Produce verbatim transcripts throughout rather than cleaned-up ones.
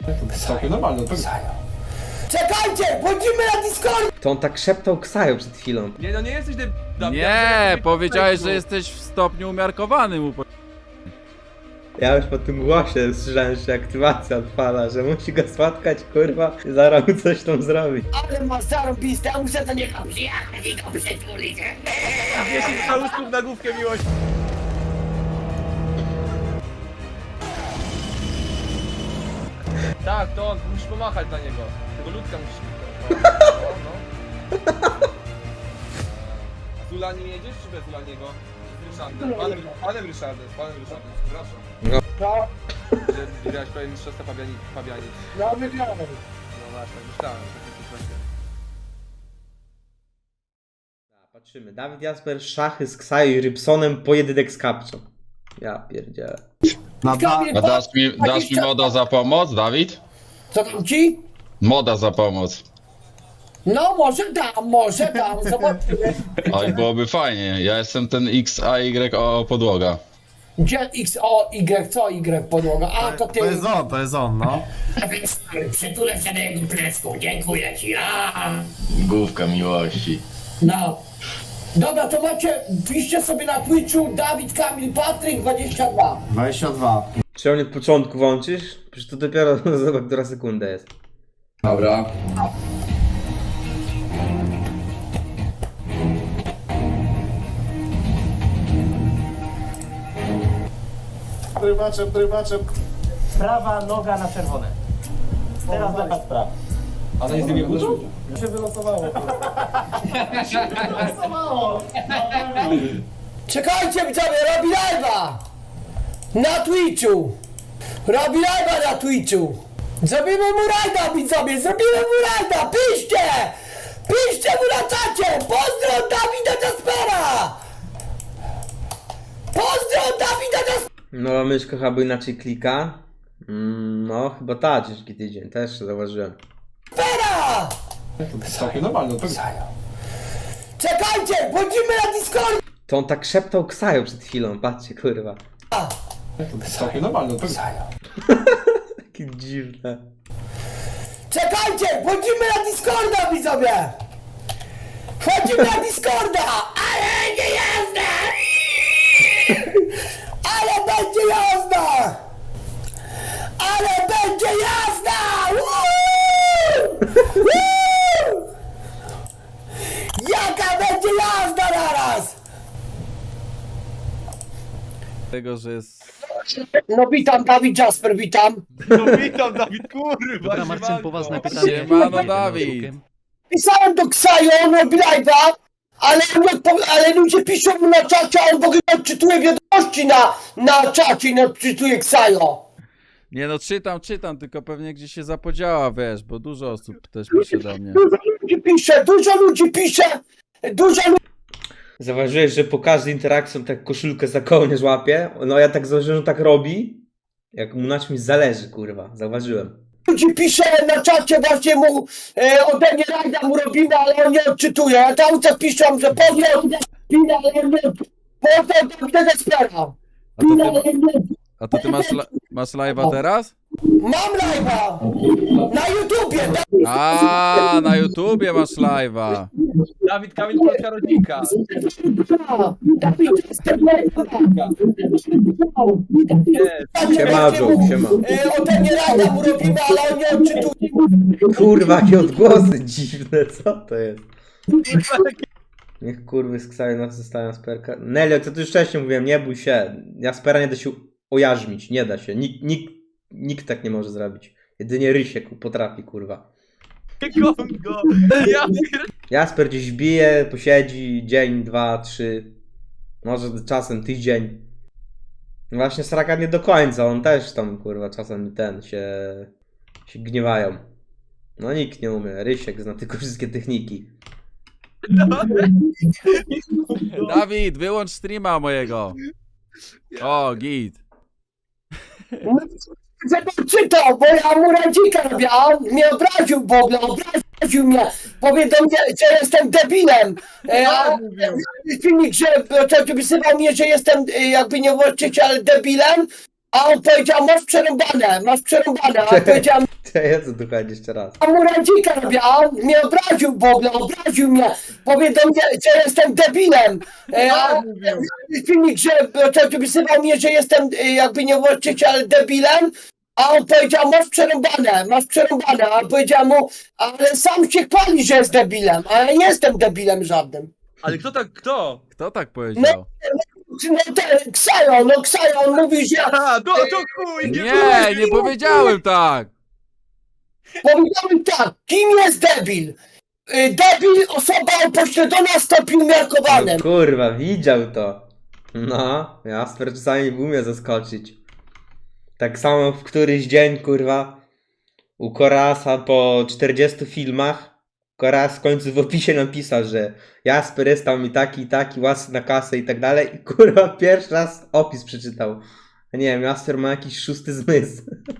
Całkiem normalne, to Czekajcie, bądźmy na Discord! To on tak szeptał Ksajo przed chwilą. Nie, no nie jesteś ty... Nie, powiedziałeś, że jesteś w stopniu umiarkowanym. upo- Ja już po tym głosie słyszałem, że aktywacja odpala, że musi go spotkać, kurwa, i zaraz mu coś tam zrobić. Ale ma zarąbiste, ja muszę do niego przyjechać i go przytulić. dziesięć całuszków na główkę miłości. Tak, to on, musisz pomachać dla niego. Tego ludka musisz... No, no. A z Ulani jedziesz, czy bez Ulaniego? Z Ryszardem. Panem, panem Ryszardem, z panem Ryszardem, przepraszam. No. No, Że wygrałeś prawie mistrzostwa Fabiani, Fabiani. no wygrałem. No właśnie, myślałem, że to będzie. Patrzymy, Dawid Jasper, szachy z Ksajo i Rybsonem, pojedynek z Kapczą. Ja pierdzielę. A dasz mi, dasz mi moda za pomoc, Dawid? Co tam ci? Moda za pomoc. No może dam, może dam, zobaczymy. Oj, byłoby fajnie. Ja jestem ten X A Y O podłoga. Gdzie X, O, Y, co Y podłoga? A, to ty. To jest on, to jest on, no. Przytulę się do jego plecku, dziękuję ci. A, Główka miłości. no. Dobra, to macie, piszcie sobie na Twitchu Dawid Kamil Patryk dwadzieścia dwa. dwadzieścia dwa. Czy on od początku włączysz? Przecież to dopiero zobacz, która sekunda jest. Dobra. Prywaczem, prywaczem. Prawa noga na czerwone. Teraz lewa sprawa. A na nic nie włożył? Się wylosowało. się wylosowało. Czekajcie widzowie, robi live'a! Na Twitchu! Robi live'a na Twitchu! Zrobimy mu rajda widzowie, zrobimy mu rajda! Piszcie! Piszcie mu na czacie! Pozdro od Dawida Jaspera! Pozdro od Dawida Jaspera! Nowa myszka chyba inaczej klika. Mm, no, chyba ta, ciężki tydzień, też zauważyłem. Całkiem normalne, to Czekajcie, bądźmy na Discord! To on tak szeptał Ksajo przed chwilą, patrzcie, kurwa. całkiem normalne, to Takie dziwne. Czekajcie, bądźmy na Discorda widzowie! Wchodzimy na Discorda! Ale nie jazda! Ale będzie jazda! Ale będzie jazda! Woo! Woo! Jaka będzie jazda naraz! Tego, że jest... No witam, Dawid Jasper, witam. No witam, Dawid, kurwa, Dobra, Marcin, siemanko. poważne pytanie. Siemano, Dawid. Pisałem do Ksajo, on robi live'a, ale, nie odpo- ale ludzie piszą mu na czacie, a on w ogóle nie odczytuje wiadomości na, na czacie, nie odczytuje Ksajo. Nie no, czytam, czytam, tylko pewnie gdzieś się zapodziała, wiesz, bo dużo osób też pisze do mnie. Dużo ludzi pisze, dużo ludzi pisze, dużo ludzi Zauważyłeś, że po każdej interakcji on tak koszulkę za kołnierz łapie? No ja tak zauważyłem, że tak robi. Jak mu na czymś zależy, kurwa. Zauważyłem. pisze na czacie, właśnie mu e, ode mnie rajda mu robimy, ale on nie odczytuje. A tam co piszą, że pozdro od Dawida, ale on nie pozdro od Dawida Jaspera. A to ty, a to ty masz, la, masz live'a teraz? Mam live'a na YouTubie. A, na YouTubie masz live'a. Dawid Kamil, polska rodzinka. Dawid Jasper, Siema, Joe, siema. E, ode mnie rajda mu robimy, ale on nie odczytuje. Kurwa, jakie odgłosy dziwne, co to jest? Niech kurwy z Ksajo nas zostają Jasperka. Nelio, to tu już wcześniej mówiłem, nie bój się. Jaspera nie da się ojarzmić, nie da się. Nikt, nikt, nikt tak nie może zrobić. Jedynie Rysiek potrafi, kurwa. Kongo. Ja Jasper gdzieś bije, posiedzi dzień, dwa, trzy, może czasem tydzień. Właśnie Sraka nie do końca, on też tam kurwa czasem ten się, się gniewają. No nikt nie umie, Rysiek zna tylko wszystkie techniki. Dawid, wyłącz streama mojego. O, git. Żeby czytał, bo ja mu radzika robię, a on mnie obraził w ogóle, obraził mnie, powiedział, mnie, że jestem debilem. E, a filmik, że to wysyłał mnie, że jestem e, jakby nie właściciel debilem, A on powiedział, masz przerąbane, masz przerąbane. A ja powiedziałem, Jezu, tu chodzi jeszcze raz. a mu rędzika robię, a on mnie obraził w ogóle, obraził mnie. Powie do mnie, że jestem debilem. E, a filmik, że to wysyłał mnie, że jestem e, jakby nie właściciel debilem. A on powiedział, masz przerąbane, masz przerąbane. A powiedział mu, ale sam się chwali, że jest debilem. A ja nie jestem debilem żadnym. Ale kto tak, kto? Kto tak powiedział? No ten, Ksajo, no Ksajo, on mówi, że A, to, to chuj! Nie, nie powiedziałem tak! powiedziałem tak, kim jest debil? Y, Debil, osoba upośledzona stopniu No umiarkowanym. kurwa, widział to. No, Jasper czasami umie zaskoczyć. Tak samo w któryś dzień, kurwa, u Korasa po czterdziestu filmach, Koras w końcu w opisie napisał, że Jasper jest tam i taki, i taki, łasy na kasę i tak dalej. I kurwa, pierwszy raz opis przeczytał. Nie wiem, Jasper ma jakiś szósty zmysł.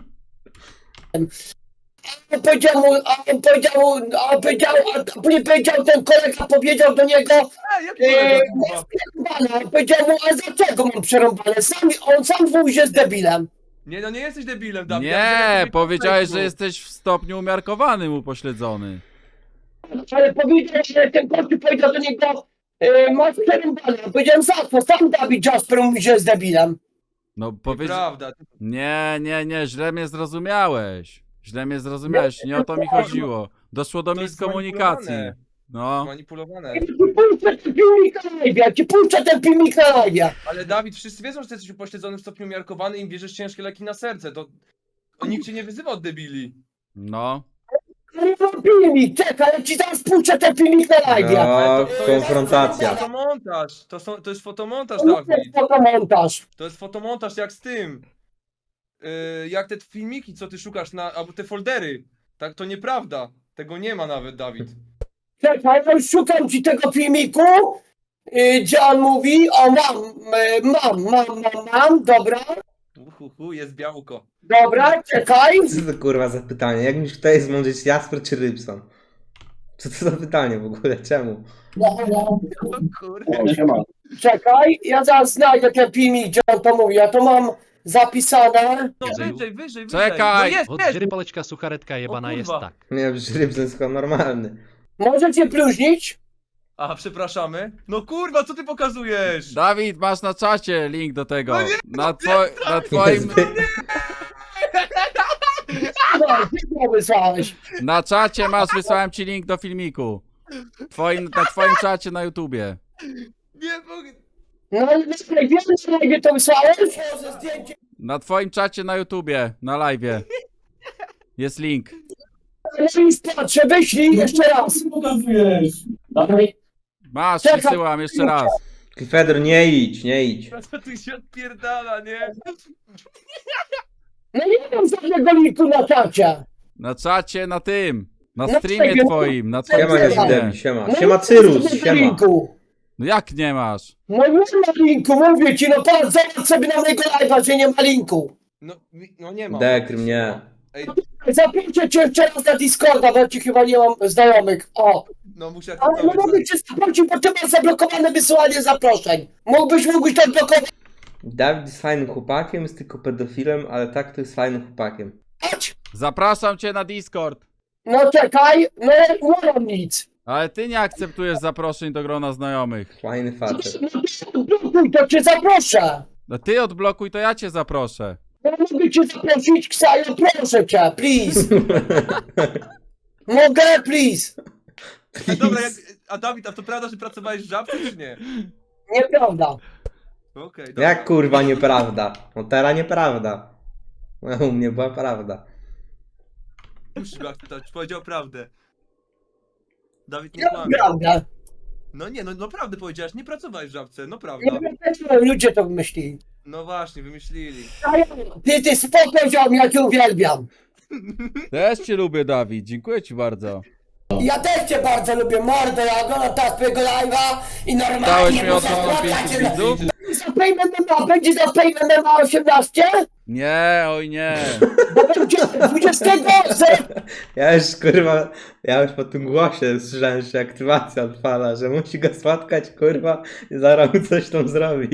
On powiedział mu, a on powiedział, mu- a on powiedział, a później powiedział, ten kolega powiedział do niego, A, jak e, kolega, masz kurwa? przerąbane. On powiedział mu, a dlaczego mam przerąbane? Sam, on sam mówi, że jest debilem. Nie, no nie jesteś debilem, Dawid. ja widziałem, Nie, jak to powiedziałeś, było. że jesteś w stopniu umiarkowanym upośledzony. Ale powiedział, że ten gościu powiedział do niego, e, masz przerąbane. Ja powiedziałem, za co? Sam Dawid Jasper mówi, że jest debilem. No powiedział... Prawda. Nie, nie, nie, źle mnie zrozumiałeś. Źle mnie zrozumiałeś, nie o to mi chodziło. Doszło do To jest miskomunikacji. zmanipulowane. No. Manipulowane. Ja ci puszczę ten filmik na live, ja ci puszczę ten filmik na live. Ale Dawid, wszyscy wiedzą, że ty jesteś upośledzony w stopniu umiarkowany i im bierzesz ciężkie leki na serce. To nikt cię nie wyzywa od debili. No. Ale mam filmik, czekaj, ja ci zaraz puszczę ten filmik na live. No, Ale to- to jest konfrontacja. Fotomontaż. To, są, to jest fotomontaż, To jest Dawid. fotomontaż. To jest fotomontaż jak z tym. Yy, jak te filmiki, co ty szukasz na. Albo te foldery. Tak, to nieprawda. Tego nie ma nawet, Dawid. Czekaj, ja już szukam ci tego filmiku, yy, gdzie on mówi, o mam, yy, mam, mam, mam, mam, dobra, Uhuhu, jest białko. dobra, czekaj. Co to kurwa za pytanie? Jak myślisz, kto jest mądrzejszy, Jasper czy Rybson? Co to za pytanie w ogóle? Czemu? No, no, O kurde. O, siema. czekaj, ja zaraz znajdę ten filmik, gdzie on to mówi, ja to mam zapisane. No wyżej, wyżej, wyżej. Czekaj! No jest, Вот jest. жеребалочка сухаретка ебана O jest kurwa. tak. Nie wiem, że Rybson jest chyba normalny. Możecie bluźnić? A, przepraszamy. No kurwa, co ty pokazujesz? Dawid, masz na czacie link do tego. No nie, Na, two na twoim... No, ty to wysłałeś. Na czacie masz, wysłałem ci link do filmiku. Twoim, na twoim czacie na YouTubie. Nie mogę. No, ale czekaj, wiesz, że gdzie to wysłałeś? Może zdjęcie. Na twoim czacie na YouTubie, na live'ie. Jest link. No i patrzę, wyślij jeszcze raz. Dawaj. Masz, Czekaj. wysyłam jeszcze raz. Fedor, nie idź, nie idź. Co tu się odpierdala, nie? No nie mam żadnego linku na czacie. Na czacie, na tym. Na No streamie czekaj, no. twoim, na Siema, twoim nie streamie. zdemi, siema. No Siema nie mam Cyrus, żadnego siema. linku. No jak nie masz? No nie ma linku, mówię ci, no patrz, zobacz sobie na mojego live'a, że nie ma linku. No, mi- no nie ma. Dekrym, nie. Ej, Zapiszę cię jeszcze raz na Discorda, bo ci chyba nie mam znajomych. O, no muszę ale no mogę cię zaprosić, bo ty masz zablokowane wysyłanie zaproszeń. Mógłbyś, mógłbyś to odblokować? Dawid jest fajnym chłopakiem, jest tylko pedofilem, ale tak to jest fajnym chłopakiem. Zapraszam cię na Discord. No czekaj, no nie mam nic. Ale ty nie akceptujesz zaproszeń do grona znajomych. Fajny facet. No to odblokuj, to cię zaproszę. No ty odblokuj, to ja cię zaproszę. Ja mogę cię zaprosić, Ksajo, proszę cię, please. Mogę, please. A dobra, jak, a Dawid, a to prawda, że pracowałeś w Żabce, czy nie? Nieprawda. Okej, dobra. Jak kurwa nieprawda? No teraz nieprawda. No, u mnie była prawda. Musisz go akceptować, powiedział prawdę. Dawid nie Ja kłamie. prawda. No nie, no naprawdę powiedziałeś, nie pracowałeś w Żabce, no Nie prawda. wiem, ludzie to wymyślili. No właśnie, wymyślili. Ty, ty spoko ziom, ja cię uwielbiam. Też cię lubię, Dawid. Dziękuję ci bardzo. Ja też cię bardzo lubię, mordo, ja oglądam teraz twojego live'a i Dałeś normalnie mi od muszę nowa płakać. pięciu widzów? Za Payment M M A, będzie za Payment M M A osiemnaście? Nie, oj nie. Bo będzie dwudziestego ze- Ja już kurwa, ja już po tym głosie słyszałem, że aktywacja odpala, że musi go spotkać kurwa i zaraz mu coś tam zrobi.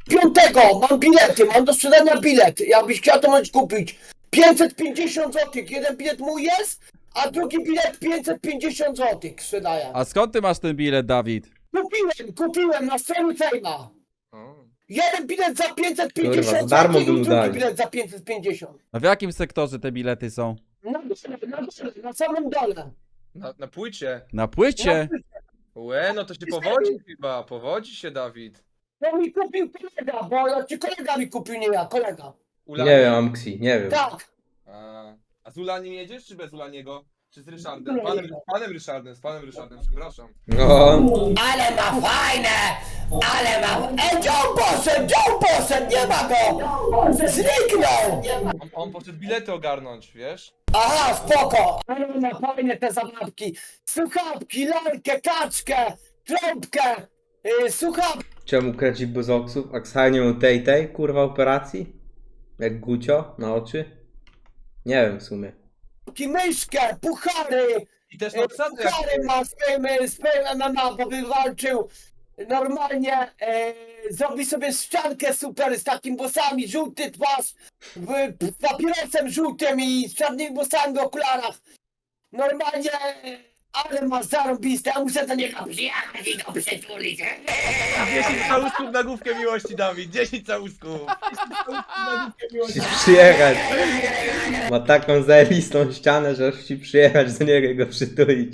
piątego mam bilety, mam do sprzedania bilet. Jakbyś chciał, to możesz kupić. pięćset pięćdziesiąt złotych. Jeden bilet mój jest, a drugi bilet pięćset pięćdziesiąt złotych sprzedaję. A skąd ty masz ten bilet, Dawid? Kupiłem, kupiłem na stronie Fejma. O. Jeden bilet za pięćset Kurwa, pięćdziesiąt za darmo złotych by mu i drugi dali. bilet za pięćset pięćdziesiąt. A w jakim sektorze te bilety są? Na dole, na dole, na samym dole. Na, na płycie. Na płycie? Łe, no to się powodzi chyba, powodzi się, Dawid. To mi kupił kolega, bo czy kolega mi kupił, nie ja, kolega. Ulani. Nie wiem, Amksi, nie wiem. Tak. A, a z Ulaniem jedziesz, czy bez Ulaniego? Czy z Ryszardem? Z panem, z panem Ryszardem, z panem Ryszardem, przepraszam. No, Ale ma fajne! Ale ma... E, gdzie on poszedł? Gdzie on poszedł? Nie ma go! Zniknął! On, on poszedł bilety ogarnąć, wiesz? Aha, spoko! Ale ma fajne te zabawki. Słuchawki, lalkę, kaczkę, trąbkę, yy, słuchawki, czemu kręci buzoksów? Aksa nie miał tej tej, kurwa, operacji? Jak Gucio na oczy? Nie wiem w sumie. myszkę, puchary. I też Yy, na obsadę jak... puchary ma swoim, swoim M M A, bo wywalczył. Normalnie yy, zrobi sobie ściankę super z takimi włosami, żółty twarz, w, papierosem żółtym i z czarnymi włosami w okularach. Normalnie, ale ma zarąbiste, ja muszę do niego przyjechać i go przytulić. dziesięć całusków na główkę miłości, Dawid, dziesięć całusków. Musisz przyjechać. Ma taką zajebistą ścianę, że musi przyjechać do niego i go przytulić.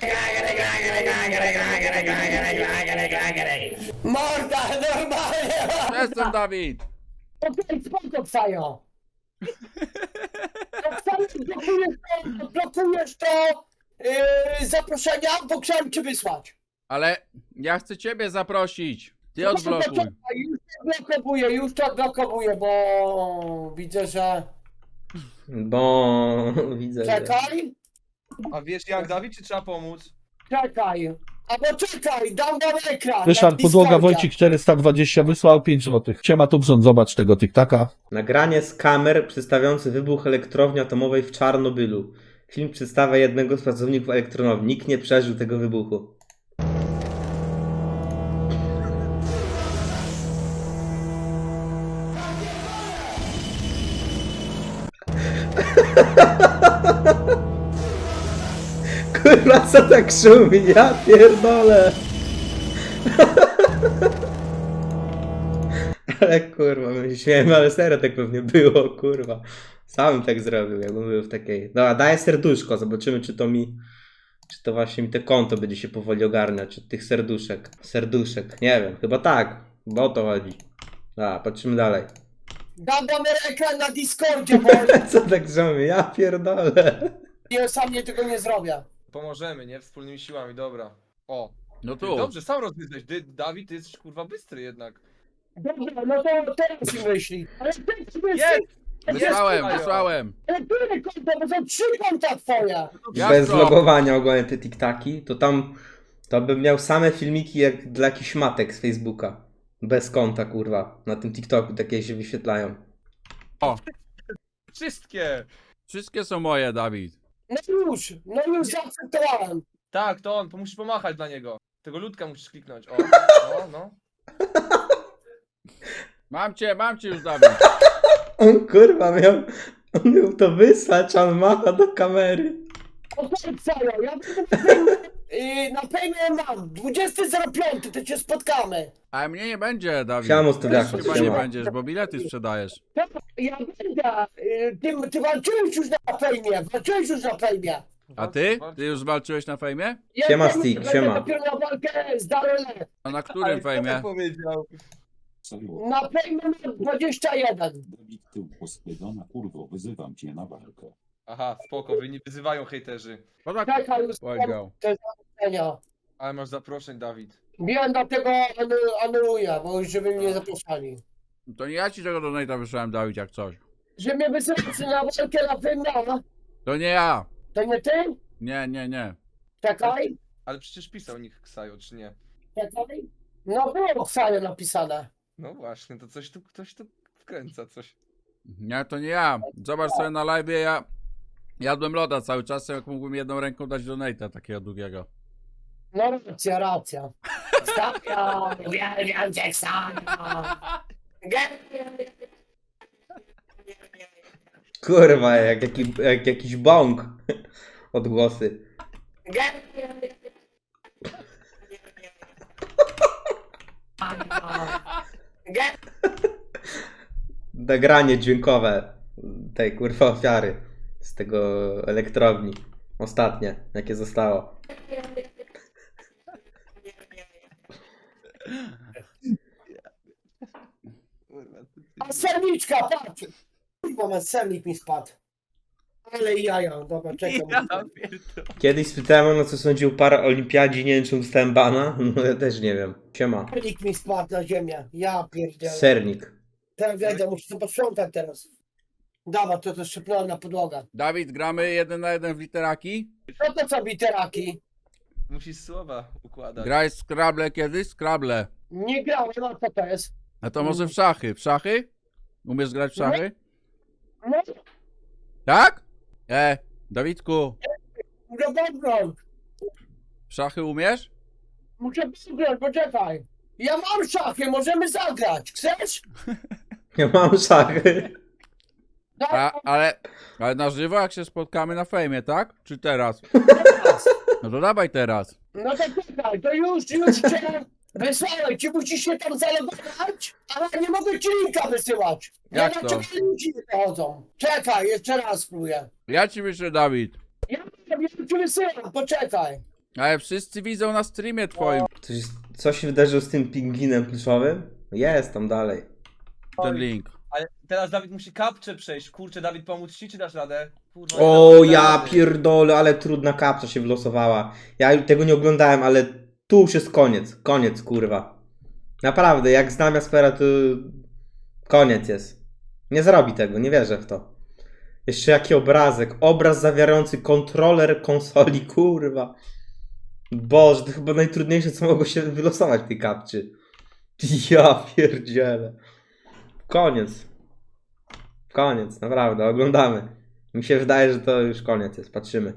Morda, normalnie! Jestem Dawid! Okej, spoko, Ksajo. Ksajo, blokujesz to, blokujesz to yy, zaproszenia, bo chciałem cię wysłać. Ale ja chcę ciebie zaprosić. Ty odblokuj. Czekaj, już to odblokowuję, już to odblokowuję, bo widzę, że... Bo widzę, że... Czekaj, A wiesz jak, Dawid, czy trzeba pomóc? czekaj. Albo czekaj, dam wam ekran. Ryszard na Podłoga Discordzie. Wojcik czterysta dwadzieścia wysłał pięć złotych. Siema Tubson, zobacz tego tiktaka. Nagranie z kamer przedstawiające wybuch elektrowni atomowej w Czarnobylu. Film przedstawia jednego z pracowników elektrowni. Nikt nie przeżył tego wybuchu. Kurwa, co tak szumi? Ja pierdolę. Ale kurwa, my się śmiejemy, ale serio tak pewnie było, kurwa. Sam tak zrobił, jakbym był w takiej... Dobra, daję serduszko, zobaczymy czy to mi... Czy to właśnie mi te konto będzie się powoli ogarniać od tych serduszek. Serduszek, nie wiem, chyba tak, bo o to chodzi. Dobra, patrzymy dalej. Dam wam ekran na Discordzie, bo Co tak zrobię? Ja pierdolę. ja sam nie tego nie zrobię. Pomożemy, nie? Wspólnymi siłami, dobra. O, No ty, tu. dobrze, sam rozwiązałeś. Ty, Dawid, ty jesteś kurwa bystry jednak. Dobra, no to teraz mi myśli. Ale teraz myśli. Jest! Wysłałem, Jest, wysłałem. Ale które konto, bo są trzy konta twoje. Jak Bez to? logowania ogólnie te tiktaki, to tam... To bym miał same filmiki jak dla jakichś matek z Facebooka. Bez konta, kurwa. Na tym TikToku takie się wyświetlają. Wszystkie! Wszystkie są moje, Dawid. No już, no już zaakceptowałem. Tak, to on, musisz pomachać dla niego. Tego ludka musisz kliknąć. O, no, no. Mam cię, mam cię już, Dawid. On kurwa miał... On miał to wysłać, a on macha do kamery. Okej, Sajo, ja będę yy, na pewno mam. dwudziestego piątego to cię spotkamy. A mnie nie będzie, Dawid. Siamo, studiaku, Chyba nie siema. będziesz, bo bilety sprzedajesz. Ja będę. Yy, ty, ty walczyłeś już na fejmie, walczyłeś już na fejmie. A ty? Ty już walczyłeś na fejmie? Ja Siema, będę- Stick, będę siema. dopiero na walkę z Darylem. A na Ale którym kto fejmie? tak powiedział? Na fejmie mam dwadzieścia jeden. Dawid tył pospydona, kurwo, wyzywam cię na walkę. Aha, spoko, wy nie wyzywają hejterzy. No tak Czekaj, już powiedział. to jest zaproszenia. Ale masz zaproszeń, Dawid. Wiem, dlatego anu- anuluję, bo już żeby mnie zapraszali. To nie ja ci tego donate'a wysłałem, Dawid, jak coś. Że mnie wysyłacie na walkę na fejmie, To nie ja. to nie ty? Nie, nie, nie. Czekaj, Ale przecież pisał nikt Ksajo, czy nie? czekaj. No było w sali napisane. No właśnie, to coś tu, ktoś tu wkręca coś. Nie, to nie ja. Zobacz sobie na live, ja jadłem loda cały czas, jak mógłbym jedną ręką dać donate'a takiego długiego. No racja, racja. Stawiam, uwielbiam cię, Ksajo. Kurwa, jak, jaki, jak jakiś bąk. Odgłosy. Nagranie dźwiękowe tej kurwa ofiary z tego elektrowni. Ostatnie, jakie zostało. A serniczka, patrz! Kurwa, ma sernik mi spadł. Ale jaja, dobra, czekam. Kiedyś spytałem, no co sądził o paraolimpiadzie, nie wiem czy dostałem bana. No ja też nie wiem. Siema. Sernik mi spadł na ziemię. Ja pierdzielę. Sernik. Teraz wejdę, muszę to posprzątać teraz. Dobra, to to szczypnąłem na podłogę. Dawid, gramy jeden na jeden w literaki? No to co, biteraki? Musisz słowa układać. Grałeś w Scrabble kiedyś? Scrabble. Nie grałem, a co to jest? A to może w szachy? W szachy? Umiesz grać w szachy? No, Tak? E, Dawidku, no dobra, w szachy umiesz? muszę zagrać, poczekaj. Ja mam szachy, możemy zagrać. Chcesz? Ja mam szachy. A, ale, ale na żywo jak się spotkamy na fejmie, tak? Czy teraz? Teraz. No to dawaj teraz. No to czekaj, to już, już cię wysłałem. Ci musisz się tam zalogować, ale nie mogę ci linka wysyłać. Jak ja to? na ciebie ludzi nie dochodzą. Czekaj, jeszcze raz spróbuję. Ja ci wyślę, Dawid. Ja ja ci wysyłam, poczekaj. Ale wszyscy widzą na streamie twoim Coś, co się wydarzyło z tym pingwinem pluszowym? Jest tam dalej. ten link. Ale teraz Dawid musi kapcze przejść. Kurczę, Dawid, pomóc ci, czy dasz radę? Kurwa, O nie dam ja rady. pierdolę, ale trudna kapsa się wylosowała. Ja tego nie oglądałem, ale tu już jest koniec. Koniec, kurwa. Naprawdę, jak znam Jaspera, to koniec jest. Nie zrobi tego, nie wierzę w to. Jeszcze jaki obrazek. Obraz zawierający kontroler konsoli, kurwa. Boże, to chyba najtrudniejsze, co mogło się wylosować w tej kapczy. Ja pierdzielę. Koniec. Koniec, naprawdę, oglądamy. Mi się wydaje, że to już koniec jest, patrzymy.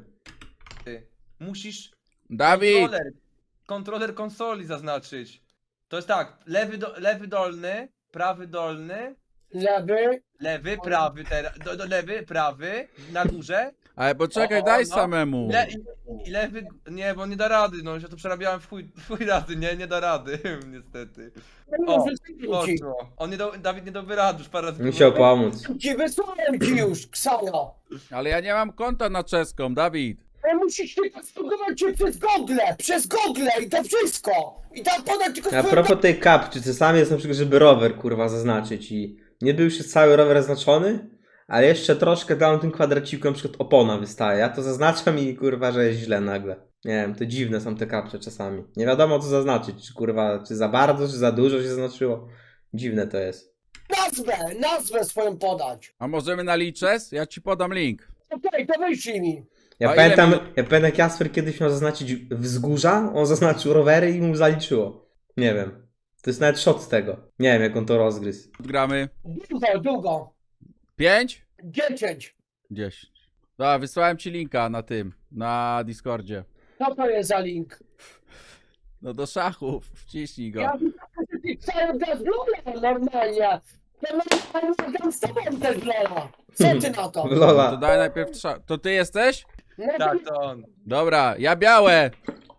Musisz Dawid! kontroler, kontroler konsoli zaznaczyć. To jest tak, lewy, do, lewy dolny, prawy dolny, Lewy. lewy, prawy teraz, do, do, lewy, prawy, na górze. Ale poczekaj, O, o, daj no. samemu. Le, i, I lewy, nie, bo nie da rady, no już ja to przerabiałem w chuj, w chuj razy, nie, nie da rady, niestety. No, O, wysyłam ci. Poszło. On nie do, Dawid nie doby rady, już parę razy Musiał próbował. pomóc. Ci wysłałem ci już, Ksano. Ale ja nie mam konta na czeską, Dawid. Ale musisz tylko spróbować się przez Google, przez Google i to wszystko. I tam podać tylko A swoje propos tej kapczy, czasami jest na przykład, żeby rower kurwa zaznaczyć i nie był już jest cały rower zaznaczony, ale jeszcze troszkę dałem tym kwadracikiem, na przykład opona wystaje. Ja to zaznaczam i kurwa, że jest źle nagle. Nie wiem, to dziwne są te kapcze czasami. Nie wiadomo co zaznaczyć, czy kurwa, czy za bardzo, czy za dużo się zaznaczyło. Dziwne to jest. nazwę, nazwę swoją podać. A możemy na liczes? Ja ci podam link. Okej, to wyślij mi. Ja A ile pamiętam, minut? ja pamiętam jak Jasper kiedyś miał zaznaczyć wzgórza, on zaznaczył rowery i mu zaliczyło. Nie wiem. To jest nawet shot z tego. Nie wiem jak on to rozgryzł. Gramy. Długo, długo. pięć? Dziesięć. dziesięć. Dobra, wysłałem ci linka na tym, na Discordzie. Co to jest za link? No do szachów, wciśnij go. Ja widzę, że ty cały czas Lola normalnie. To normalnie gram z tobą też Lola. Co ty na to? No to Lola. daj najpierw szach. To ty jesteś? No, Tak, to, to on. Dobra, ja białe.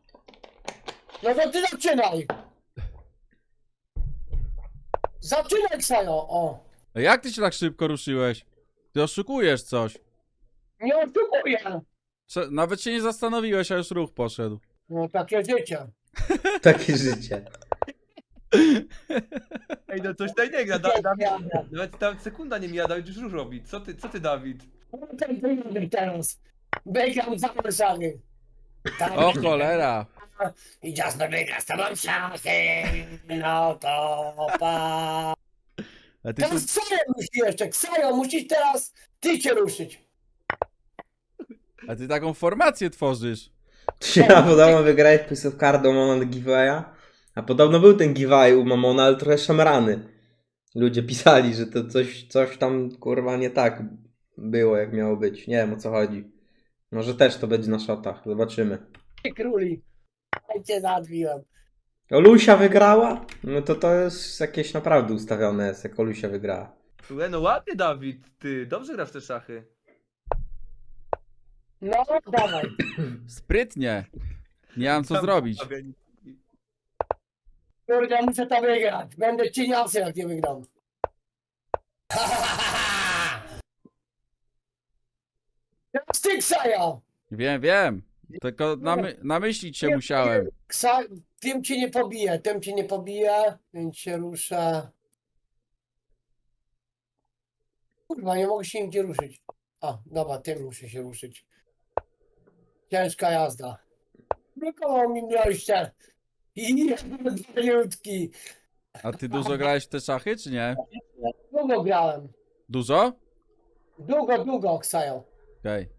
no to ty zaczynaj. Zaczynaj, Ksajo, o. A jak ty się tak szybko ruszyłeś? Ty oszukujesz coś. Nie oszukuję. Cze- Nawet się nie zastanowiłeś, a już ruch poszedł. No takie życie. Takie życie. Ej, no coś tutaj nie gra, da, Dawid, Jadę. nawet tam sekunda nie mija, Dawid już ruch robi. Co ty, co ty, Dawid? No tak wyjadę teraz. Bejkam za Warszawy. Tak. O cholera. I Jasper wygra z tobą szachy. No to pa. A ty tu... Teraz Ksajo musi jeszcze. Ksajo, musisz teraz ty cię ruszyć. A ty taką formację tworzysz. Tu się na podobno wygrałeś Piece of Card do Mamona giveawaya. A podobno był ten giveaway u Mamona, ale trochę szamrany. Ludzie pisali, że to coś, coś tam kurwa nie tak było jak miało być. Nie wiem o co chodzi. Może też to będzie na shotach. Zobaczymy. Ty króli. Ja cię zadbiłem. Olusia wygrała? No to to jest jakieś naprawdę ustawione jest, jak Olusia wygrała. Słuchaj, no ładnie, Dawid, ty dobrze grasz w te szachy. No, dawaj. Sprytnie. Nie mam co Tam zrobić. Fabianicki. Kurde, muszę to wygrać. Będę cieniasy, jak nie wygram. Teraz ty, Ksajo. Wiem, wiem. Tylko namy namyślić się musiałem. Ksa... Tym cię nie pobije, tym cię nie pobije, więc się rusza. Kurwa, nie mogę się nigdzie ruszyć. A, dobra, tym muszę się ruszyć. Ciężka jazda. Blokował mi mieliście. I jedniutki. A ty dużo grałeś w te szachy, czy nie? Długo grałem. Dużo? Długo, długo, Ksajo. Okej.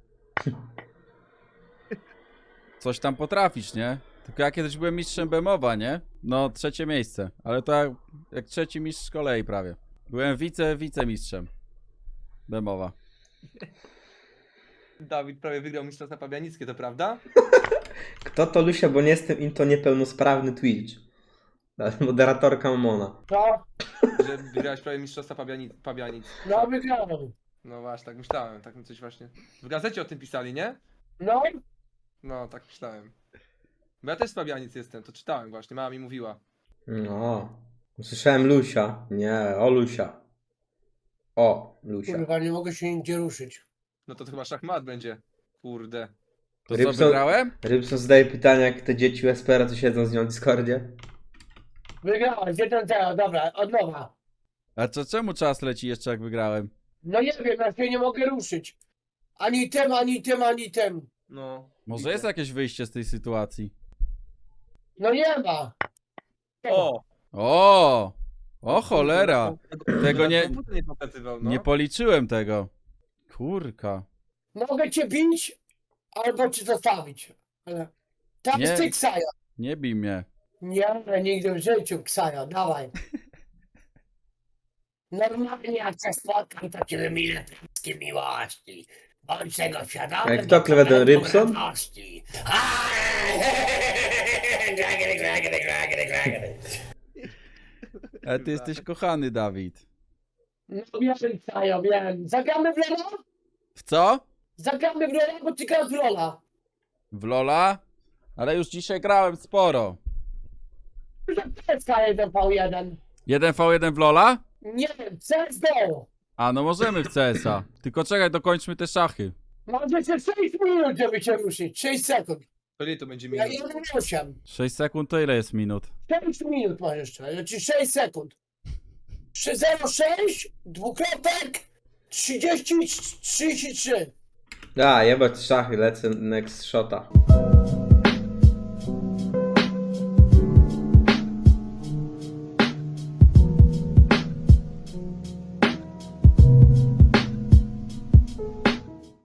Coś tam potrafisz, nie? Tylko ja kiedyś byłem mistrzem Bemowa, nie? No, trzecie miejsce. Ale to jak, jak trzeci mistrz z kolei prawie. Byłem wice, wicemistrzem Bemowa. Dawid prawie wygrał Mistrzostwa Pabianickie, to prawda? Kto to Lusia, bo nie jestem im to niepełnosprawny Twitch. Moderatorka Momona. No, Że wygrałeś prawie Mistrzostwa Pabianic. Pabianic. no wygrałem. No właśnie, tak myślałem, tak mi coś właśnie. W gazecie o tym pisali, nie? No, No, tak myślałem. Bo ja też z Pabianic jestem, to czytałem właśnie, mama mi mówiła. No. Słyszałem Lusia. Nie, o Lusia. O, Lusia. kurwa, nie mogę się nigdzie ruszyć. No to, to chyba szachmat będzie. Kurde. To co, Rybson- wygrałem? Rybson zadaje pytania, jak te dzieci u Espera, co siedzą z nią w Discordzie. Wygrałeś, jeden zero, dobra, od nowa. A co, czemu czas leci jeszcze jak wygrałem? No nie wiem, ja się nie mogę ruszyć. Ani tym, ani tym, ani tym. No. Może jest jakieś wyjście z tej sytuacji? No nie ma. O! O! O cholera! Tego nie- Komputer nie pokazywał, no. Nie policzyłem tego. Kurka. Mogę cię bić, albo cię zostawić. Ale... Tam Nie. jest ty, Ksajo. Nie bij mnie. Nie, nigdy w życiu, Ksajo, dawaj. Normalnie jak się spotkam, to ci wymienię wszystkie miłości. Bądź tego świadomy. Jak kto klewę ten Rybson? Radości. Ale ty jesteś kochany, Dawid. No wiem, Ksajo, wiem. Zagramy w Lola? W co? Zagramy w Lola, bo ty grasz w Lola. W Lola? Ale już dzisiaj grałem sporo. To jest K jeden V jeden. jeden v jeden w Lola? Nie wiem, C S G O. A no możemy w C S a. Tylko czekaj, dokończmy te szachy. Masz jeszcze sześć minut, żeby się ruszyć. sześć sekund. To ile to będzie Ja minut? jeden osiem. sześć sekund to ile jest minut? sześć minut masz jeszcze, znaczy sześć sekund. trzy zero sześć, dwukropek, trzydzieści, trzydzieści trzy. A, jebać szachy, lecę next shota.